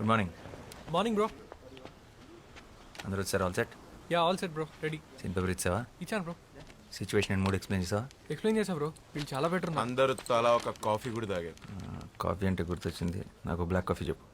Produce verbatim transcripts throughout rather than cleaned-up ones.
Good morning. Morning bro. అందరూ వచ్చారు? All set? Yeah all set bro, ready. Scene paper ఇచ్చావా? ఇచ్చాను bro. Situation and mood explain చేసావా? Explain చేసా bro, వీళ్ళు చాలా బెటర్ ఉన్నారు. అందరూ తలా ఒక కాఫీ కూడా తాగారు. కాఫీ అంటే గుర్తొచ్చింది, నాకు బ్లాక్ కాఫీ చెప్పు.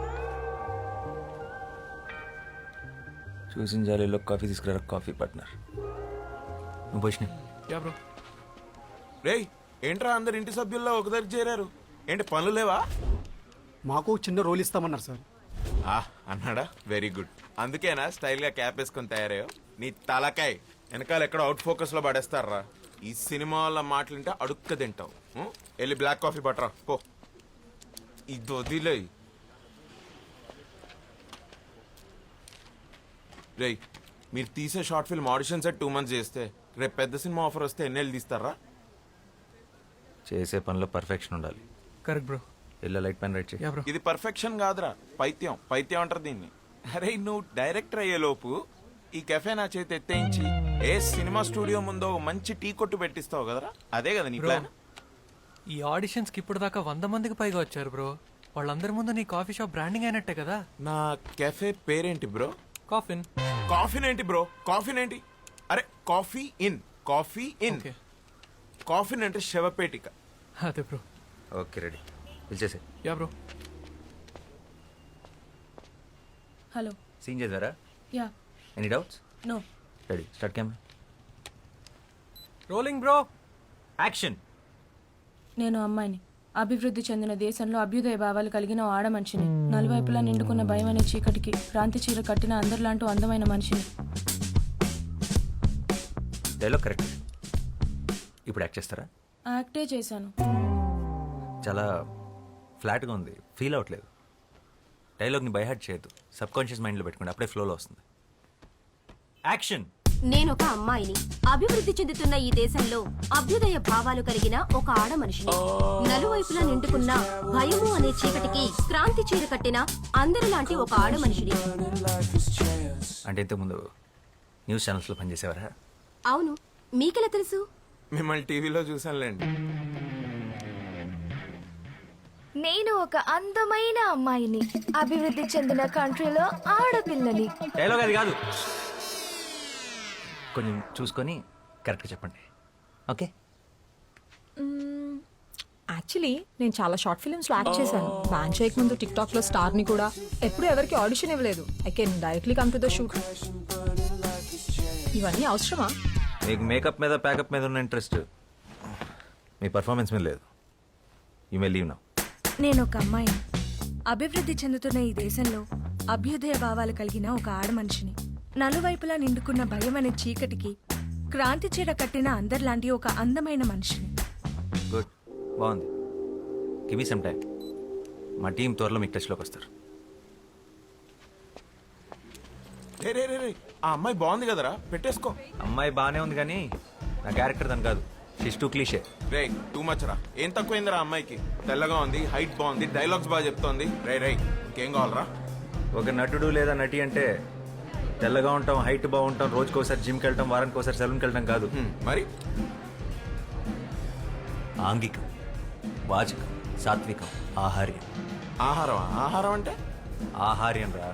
చూసిన జాలీలో కాఫీ తీసుకురా. కాఫీ పార్ట్నర్ నువ్వు పోషణ. Yeah bro. రేయ్ ఏంట్రా అందరు ఇంటి సభ్యుల్లో ఒక దగ్గర చేరారు, ఏంటి పనులు లేవా? మాకు చిన్న రోల్ ఇస్తామన్నారు సార్. ఆ అన్నాడా? Very good. అందుకేనా స్టైల్గా క్యాప్ వేసుకొని తయారయ్యో? నీ తలకాయ్ వెనకాల ఎక్కడ అవుట్ ఫోకస్లో పడేస్తారా? ఈ సినిమా వాళ్ళ మాటలుంటే అడుక్క తింటావు. ఉం? వెళ్ళి బ్లాక్ కాఫీ పట్టరా పో. ఇది వదిలే. రేయ్ మీరు తీసే short film audition set two months చేస్తే రేపు పెద్ద సినిమా ఆఫర్ వస్తే ఎన్నెళ్ళు తీస్తారా? చేసే పనిలో పర్ఫెక్షన్ ఉండాలి. Correct bro. ఇలా లైట్ పెన్ రైట్ చేయి. Yeah bro. ఇది పర్ఫెక్షన్ కాదురా, పైత్యం. పైత్యం అంటారు దీన్ని. అరే నువ్వు డైరెక్టర్ అయ్యే లోపు ఈ కెఫే నా చేతి ఎత్తేయించి ఏ సినిమా స్టూడియో ముందో మంచి టీ కొట్టు పెట్టిస్తావు కదరా, అదే కదా నీ ప్లాన్? ఈ ఆడిషన్స్ కి ఇప్పుడు దాకా వంద మందికి పైగా వచ్చారు బ్రో. వాళ్ళందరి ముందు నీ కాఫీ షాప్ బ్రాండింగ్ అయినట్టే కదా. నా కెఫే పేరేంటి బ్రో? కాఫిన్. కాఫీన్ ఏంటి బ్రో? కాఫీన్ ఏంటి? అరే coffee in, coffee in. Okay. Coffin అంటే శవపేటిక. అదే బ్రో. ఓకే రెడీ, పిలిచేసే. Yeah bro. హలో. సీన్ చేద్దారా? Yeah. Any doubts? No. Ready, start camera. Rolling bro. Action. నేను అమ్మాయిని, అభివృద్ధి చెందిన దేశంలో అభ్యుదయ భావాలు కలిగిన ఓ ఆడ మనిషిని, నలువైపులా నిండుకున్న భయం అనే చీకటికి క్రాంతి చీర కట్టిన అందరిలాంటి అందమైన మనిషిని. Dialogue correct. ఇప్పుడు యాక్ట్ చేస్తారా? యాక్టే చేశాను. చాలా ఫ్లాట్గా ఉంది, ఫీల్ అవ్వట్లేదు. డైలాగ్ని బైహార్ట్ చేయొద్దు, సబ్ కాన్షియస్ మైండ్లో పెట్టుకోండి, అప్పుడే ఫ్లోలో వస్తుంది. యాక్షన్. నేను ఒక అమ్మాయిని, అభివృద్ధి చెందుతున్న ఈ దేశంలో అభ్యుదయ భావాలు కలిగిన ఒక ఆడ మనిషిని, నలువైపులా నిండుకున్న భయము అనే చీకటికి క్రాంతి చీర కట్టిన అందరిలాంటి ఒక ఆడ మనిషిని. అంటే ఇంతకుముందు న్యూస్ ఛానల్స్లో పనిచేసేవారా? అవును, మీకెలా తెలుసు? మిమ్మల్ని టీవీలో చూసానులేండి. నేను ఒక అందమైన అమ్మాయిని, అభివృద్ధి చెందిన కంట్రీలో ఆడపిల్లని. డైలాగ్ అది కాదు, కొంచెం చూసుకొని కరెక్ట్గా చెప్పండి. ఓకే. యాక్చువల్లీ నేను చాలా షార్ట్ ఫిల్మ్స్లో యాక్ట్ చేశాను. బ్యాన్ చేయక ముందు టిక్ టాక్లో స్టార్ని కూడా. ఎప్పుడు ఎవరికి ఆడిషన్ ఇవ్వలేదు. I can directly come to the shoot. ఇవన్నీ అవసరమా? మీకు మేకప్ మీద ప్యాకప్ మీద ఉన్న ఇంట్రెస్ట్ మీ పర్ఫార్మెన్స్ మీద లేదు. You may leave now. నేను ఒక అమ్మాయిని, అభివృద్ధి చెందుతున్న ఈ దేశంలో అభ్యుదయ భావాలు కలిగిన ఒక ఆడ మనిషిని, నలువైపులా నిండుకున్న భయం అనే చీకటికి క్రాంతి చీర కట్టిన అందరిలాంటి ఒక అందమైన మనిషిని. గుడ్, బాగుంది. Give me some time. మా టీం త్వరలో మీకు టచ్లోకి వస్తారు. రే రే రే రే ఆ అమ్మాయి బాగుంది కదరా, పెట్టేసుకో. అమ్మాయి బాగానే ఉంది కానీ నా క్యారెక్టర్ దాని కాదు. She's too cliche. రే టూ మచ్ రా. ఏం తక్కువైందిరా అమ్మాయికి? తెల్లగా ఉంది, హైట్ బాగుంది, డైలాగ్స్ బాగా చెప్తోంది. రే రే ఇంకేం కావాలరా? ఒక నటుడు లేదా నటి అంటే తెల్లగా ఉంటాం, హైట్ బాగుంటాం, రోజుకోసారి జిమ్కి వెళ్ళటం, వారానికి ఒకసారి సెలూన్కి వెళ్ళటం కాదు. మరి ఆంగికం, వాచకం, సాత్వికం, ఆహార్యం. ఆహారం? ఆహారం అంటే ఆహార్యం రా.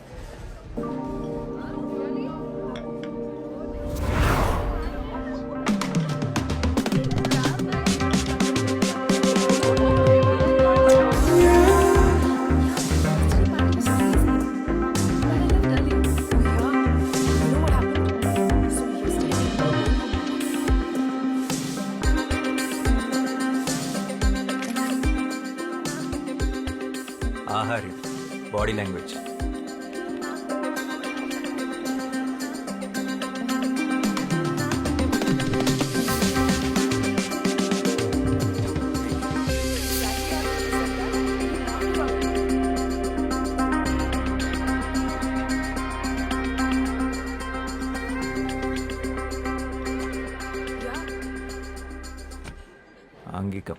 ఆహార్యం, బాడీ లాంగ్వేజ్. ఆంగికం.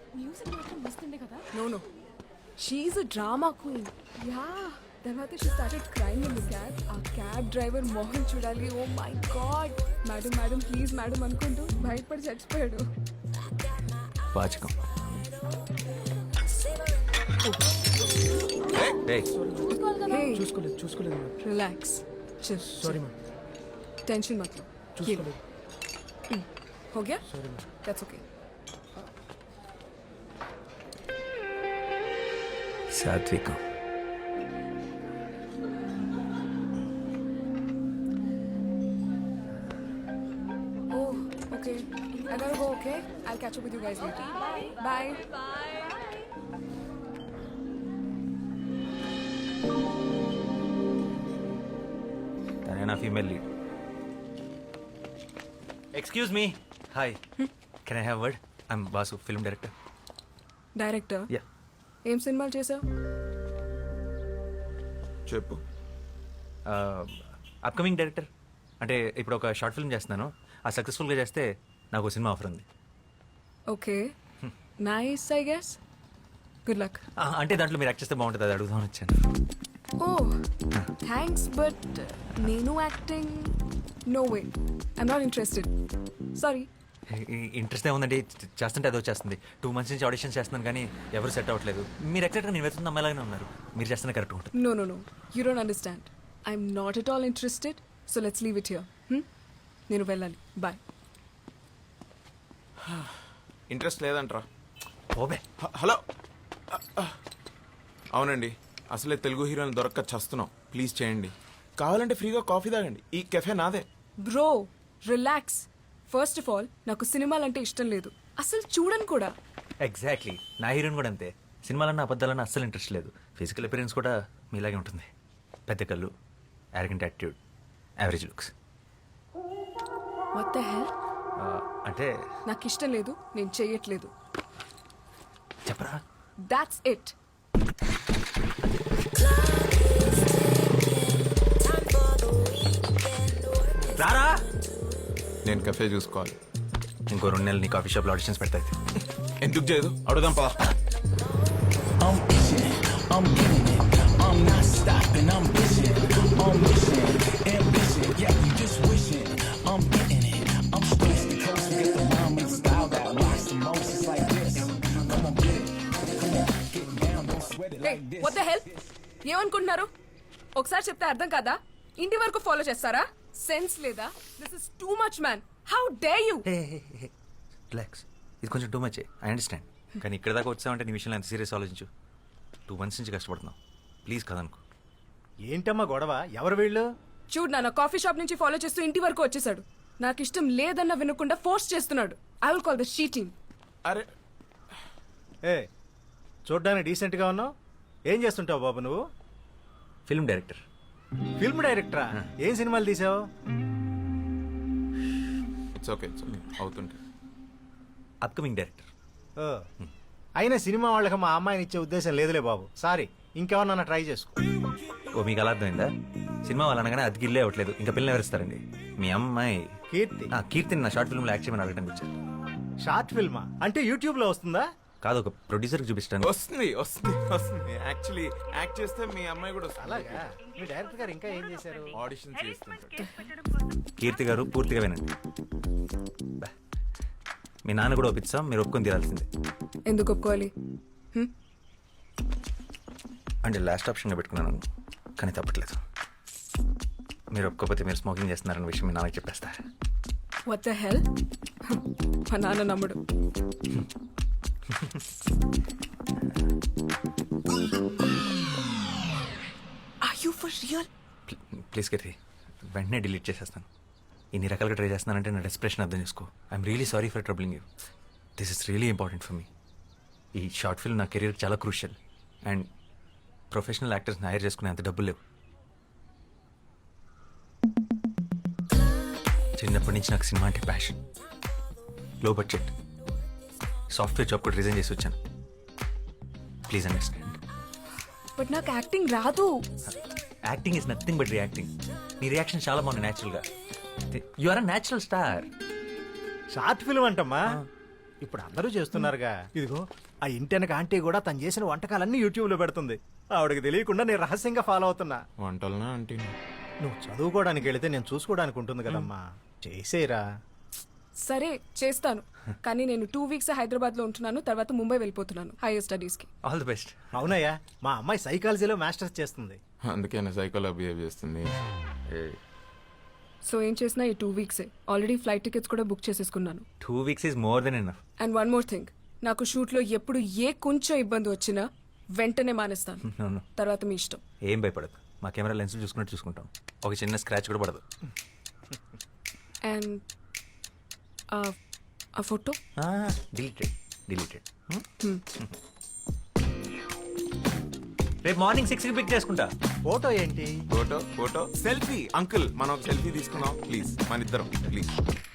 No, no. She's a drama queen. Yeah. తర్వాత she started crying in the cab. ఆ క్యాబ్ డ్రైవర్ మోహన్ చూడాలి. Oh my god. Madam madam please madam అనుకుంటూ భయపడి చచ్చిపోయాడు. వాచకం. ఏయ్, Hey, చూసుకోలేదు చూసుకోలేదు relax. Chill. Sorry ma'am Tension मत लो. చూసుకోలేదు हो गया? That's okay. సాత్వికం. Oh, okay. I gotta go, okay? I'll catch up with you guys later. Bye. తనే నా female lead. Excuse me. Hi, can I have word? I'm Basu, film director. Director yeah. ఏం సినిమాలు చేసావు? చెప్పు. Upcoming director. అంటే ఇప్పుడు ఒక షార్ట్ ఫిల్మ్ చేస్తున్నాను. ఆ సక్సెస్ఫుల్గా చేస్తే నాకు ఒక సినిమా ఆఫర్ ఉంది. Okay nice I guess. Good luck. ఆ, అంటే దాంట్లో మీరు యాక్ట్ చేస్తే బాగుంటుంది, అది అడుగుదామని వచ్చాను. ఓ థ్యాంక్స్ బట్ నేను acting no way I'm not interested sorry. Interest ఏముందండి, చేస్తుంటే అదో చేస్తుంది. టూ మంత్స్ నుంచి ఆడిషన్ చేస్తున్నాను కానీ ఎవరు సెట్ అవ్వట్లేదు. మీరు ఎక్సెక్ట్గా నేను వెతున్న అమ్మాయిలాగానే ఉన్నారు. మీరు చేస్తున్న కరెక్ట్ ఉంటుంది. No no no you don't understand I'm not at all interested so let's leave it here. నేను వెళ్ళాలి. బాయ్. ఇంట్రెస్ట్ లేదంట్రా. ఓబే. హ- హలో అవునండి, అసలే తెలుగు హీరోని దొరక్క చస్తున్నాం. ప్లీజ్ చేయండి. కావాలంటే ఫ్రీగా కాఫీ తాగండి. ఈ కెఫే నాదే. Bro relax. First of all నాకు సినిమాలంటే ఇష్టం లేదు, అసలు చూడను కూడా. ఎగ్జాక్ట్లీ, నా హీరోయిన్ కూడా అంతే. సినిమాలన్నా అబద్ధాలన్నా అస్సలు ఇంట్రెస్ట్ లేదు. ఫిజికల్ అపిరెన్స్ కూడా మీలాగే ఉంటుంది. పెద్ద కళ్ళు, arrogant attitude, average looks. What the hell? అంటే నాకు ఇష్టం లేదు, నేను చెయ్యట్లేదు. చెప్పరా. That's it. రారా. నేను కెఫే చూసుకోవాలి. ఇంకో రెండు నెలలు నీ కాఫీ షాప్లో ఆడిషన్స్ పెడతాయి. ఎందుకు చేయదు? అడుగుదాం పదా. What the hell? ఏమనుకుంటున్నారు? ఒకసారి చెప్తే అర్థం కాదా? ఇంటి వరకు ఫాలో చేస్తారా? సెన్స్ లేదా? This is too much man. How dare you? Relax, ఇది కొంచెం టూ మచ్. I understand. కానీ ఇక్కడ దాకా వచ్చామంటే నీ విషయంలో ఎంత సీరియస్ ఆలోచించు. టూ మంత్స్ నుంచి కష్టపడుతున్నావు. ప్లీజ్ కదనుకో. ఏంటమ్మా గొడవ? ఎవరు వీళ్ళు? చూడు నాన్న, కాఫీ షాప్ నుంచి ఫాలో చేస్తూ ఇంటి వరకు వచ్చేసాడు. నాకు ఇష్టం లేదన్న వినకుండా ఫోర్స్ చేస్తున్నాడు. I will call the sheeting. అరే ఏ చూడ్డానికి డీసెంట్గా ఉన్నావు. ఏం చేస్తుంటావు బాబు నువ్వు? Film director. ఫిల్మ్ డైరెక్టరా? ఏం సినిమాలు తీసావు? ఇట్స్ ఓకే ఇట్స్ ఓకే అవుతుంటే. Upcoming director. ఓ, అయినా సినిమా వాళ్ళకి మా అమ్మాయిని ఇచ్చే ఉద్దేశం లేదులే బాబు. సారీ, ఇంకెవరన్నా ట్రై చేసుకో. ఓ, మీకు అలా అర్థమైందా? సినిమా వాళ్ళు అనగానే అది గిల్లే అవ్వట్లేదు. ఇంకా పిల్లలు ఎవరిస్తారండి? మీ అమ్మాయి కీర్తి. ఆ, కీర్తిని నా షార్ట్ ఫిల్మ్లో యాక్ట్ చేయమని అడగడానికి వచ్చాను. షార్ట్ ఫిల్మా? అంటే యూట్యూబ్లో వస్తుందా? కాదు, ఒక ప్రొడ్యూసర్కి చూపిస్తాను. వస్తుంది వస్తుంది వస్తుంది. యాక్చువల్లీ యాక్ట్ చేస్తే మీ అమ్మాయి కూడా వస్తుంది. అలాగా? మీ డైరెక్టర్ గారు ఇంకా ఏం చేశారు? ఆడిషన్ చేస్తుంటారు. కీర్తి గారు పూర్తిగా వినండి. బా. మీ నాన్న కూడా ఒప్పిస్తాం, మీరు ఒప్పుకొని తీరాల్సిందే. ఎందుకు ఒప్పుకోవాలి? అంటే లాస్ట్ ఆప్షన్గా పెట్టుకున్నాను, కానీ తప్పట్లేదు. మీరు ఒప్పుకోకపోతే మీరు స్మోకింగ్ చేస్తున్నారన్న విషయం మీ నాన్నకి చెప్పేస్తా. What the hell? మా నాన్న నమ్ముడు. Are you for real? Please Keerthi, వెంటనే డిలీట్ చేసేస్తాను. ఇన్ని రకాలుగా ట్రై చేస్తున్నానంటే నా డెస్ప్రెషన్ అర్థం చేసుకో. I'm really sorry for troubling you. This is really important for me. ఈ షార్ట్ ఫిల్మ్ నా కెరీర్ చాలా క్రూషియల్. అండ్ ప్రొఫెషనల్ యాక్టర్స్ని హైర్ చేసుకునే అంత డబ్బులు లేవు. చిన్నప్పటి నుంచి నాకు సినిమా అంటే passion. Low budget software job కూడా రిజైన్ చేసి వచ్చాను. Please understand. బట్ నాకు యాక్టింగ్ రాదు. Acting is nothing but reacting. నీ రియాక్షన్ చాలా బాగుంది న్యాచురల్గా. You are a natural star. Short film అంటమ్మా, ఇప్పుడు అందరూ చేస్తున్నారుగా. ఇదిగో ఆ ఇంటెనక ఆంటీ కూడా తను చేసిన వంటకాలన్నీ యూట్యూబ్లో పెడుతుంది. ఆవిడకి తెలియకుండా నేను రహస్యంగా ఫాలో అవుతున్నా. వంటలనా అంటే నువ్వు చదువుకోవడానికి వెళితే నేను చూసుకోవడానికి ఉంటుంది కదమ్మా. చేసేరా. సరే చేస్తాను కానీ నేను టూ వీక్స్ హైదరాబాద్ లో ఉంటున్నాను తర్వాత ముంబై వెళ్ళిపోతున్నాను హైయర్ స్టడీస్ కి ఆల్ ది బెస్ట్. అవునయ్యా మా అమ్మాయి సైకాలజీలో మాస్టర్స్ చేస్తుంది. అందుకే నా సైకోలో బిహేవ్ చేస్తుంది. సో ఏం చేసినా ఈ టూ వీక్సే ఆల్రెడీ ఫ్లైట్ టికెట్స్ కూడా బుక్ చేసేసుకున్నాను. Two weeks is more than enough. And one more thing నాకు షూట్ లో ఎప్పుడు ఏ కొంచెం ఇబ్బంది వచ్చినా వెంటనే మానేస్తాను. No, no. తర్వాత మీ ఇష్టం. ఏం భయపడదు, మా కెమెరా లెన్స్ చూసుకున్నట్టు చూసుకుంటాం. ఒక చిన్న స్క్రాచ్ కూడా పడదు. అండ్ ఆ ఫోటో డిలీటెడ్ డిలీటెడ్. రేపు మార్నింగ్ సిక్స్కి పిక్ చేసుకుంటా. ఫోటో ఏంటి? Photo photo selfie. అంకుల్ మనం సెల్ఫీ తీసుకున్నాం ప్లీజ్, మన ఇద్దరం ప్లీజ్.